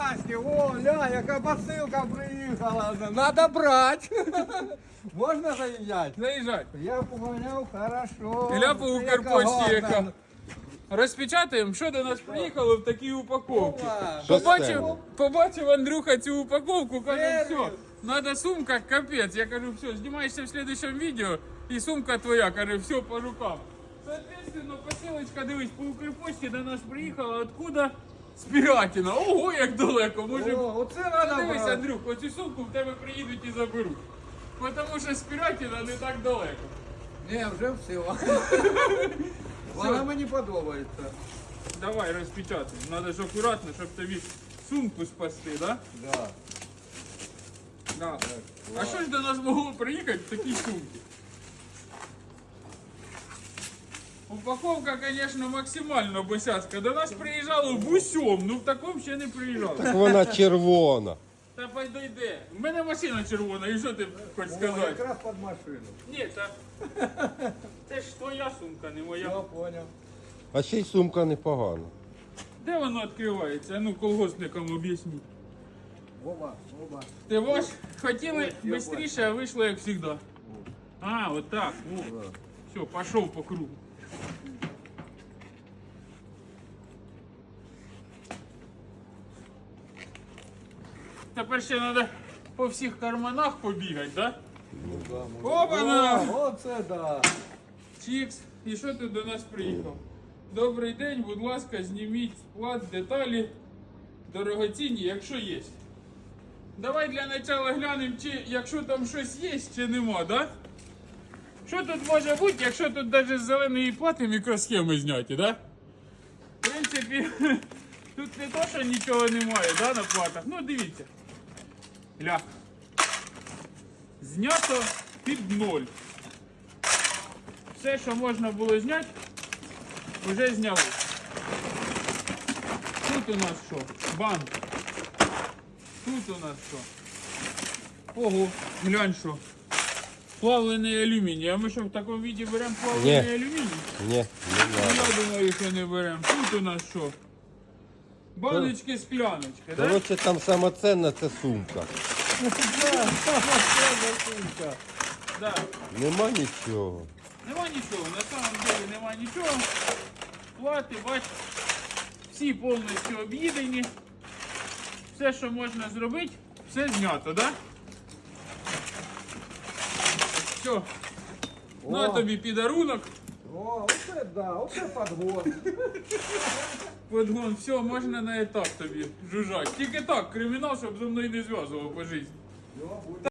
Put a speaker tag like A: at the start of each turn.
A: Васьки, о, ля, яка посилка приїхала. Надо брати. Можна заїжджати?
B: Заїжджай.
A: Я поганяв, хорошо.
B: Ілля по Укрпочті яка.
A: гарна.
B: Розпечатаємо, що до нас приїхало в такій упаковці.
A: Опа.
C: Що це?
B: Побачив Андрюха цю упаковку, каже,
A: Сервіс.
B: все, надо сумка, капець. Я кажу, все, знімаєшся в следующем відео, і сумка твоя, каже, все по рукам. Соответственно, посилочка, дивись, по Укрпочті до нас приїхала, откуда? З Пірятіна. Ого, як далеко, може.
A: О, оце надо
B: Дивись,
A: брати.
B: Андрюх, оцю сумку в тебе приїдуть і заберуть. Тому що з Пірятіна не так далеко.
A: Ні, вже все. Вона мені подобається.
B: Давай розпечатаємо. Надо ж акуратно, щоб тобі сумку спасти, да?
A: Да.
B: Да. А що ж до нас могло приїхати в такій сумці? Упаковка, звісно, максимально босяцька. До нас приїжджало в усьому, ну в такому ще не приїжджало.
C: Так вона червона.
B: Та підійде. У мене машина червона, і що ти хочеш
A: О,
B: сказати?
A: якраз під машину.
B: Ні, та це ж твоя сумка, не моя.
A: Я понял.
C: А ще й сумка непогана.
B: Де воно відкривається? Ну, колгоспникам об'ясніть.
A: Оба, оба.
B: Ти ваш хотіли
A: я
B: швидше, а вийшло як завжди. А, от так.
A: Да.
B: Все, пішов по кругу. Тепер ще треба по всіх карманах побігати, так?
A: Ну, да,
B: Опа-на!
A: О, оце да.
B: Чікс. І що ти до нас приїхав? Добрий день, будь ласка, зніміть склад, деталі, дорогоцінні, якщо є. Давай для начала глянемо, чи якщо там щось є, чи нема, да? Що тут може бути, якщо тут навіть з зеленої плати мікросхеми зняті, да? В принципі, тут не то, що нічого немає, да, на платах. Ну, дивіться. Ля. Знято під ноль. Все, що можна було зняти, вже зняли. Тут у нас що? Банк. Тут у нас що? Ого, глянь що. Плавлений алюміній. А ми що в такому віді беремо плавлений
C: Ні.
B: алюміній?
C: Ні, не
B: Ну,
C: треба.
B: я думаю, що не беремо. Тут у нас що? Баночки, скляночки, так? Да?
C: Коротше, там сама ценна це сумка.
B: Да.
C: Нема нічого.
B: Нема нічого, на самом деле нема нічого. Плати, бач, всі повністю об'їдені. Все, що можна зробити, все знято, так? Да? Все. На тобі підарунок.
A: О, оце да, оце подгон.
B: Подгон, все, можна на етап тобі жужжать. Тільки так, кримінал, щоб зі мною не зв'язував по житті.
A: Йо, буде.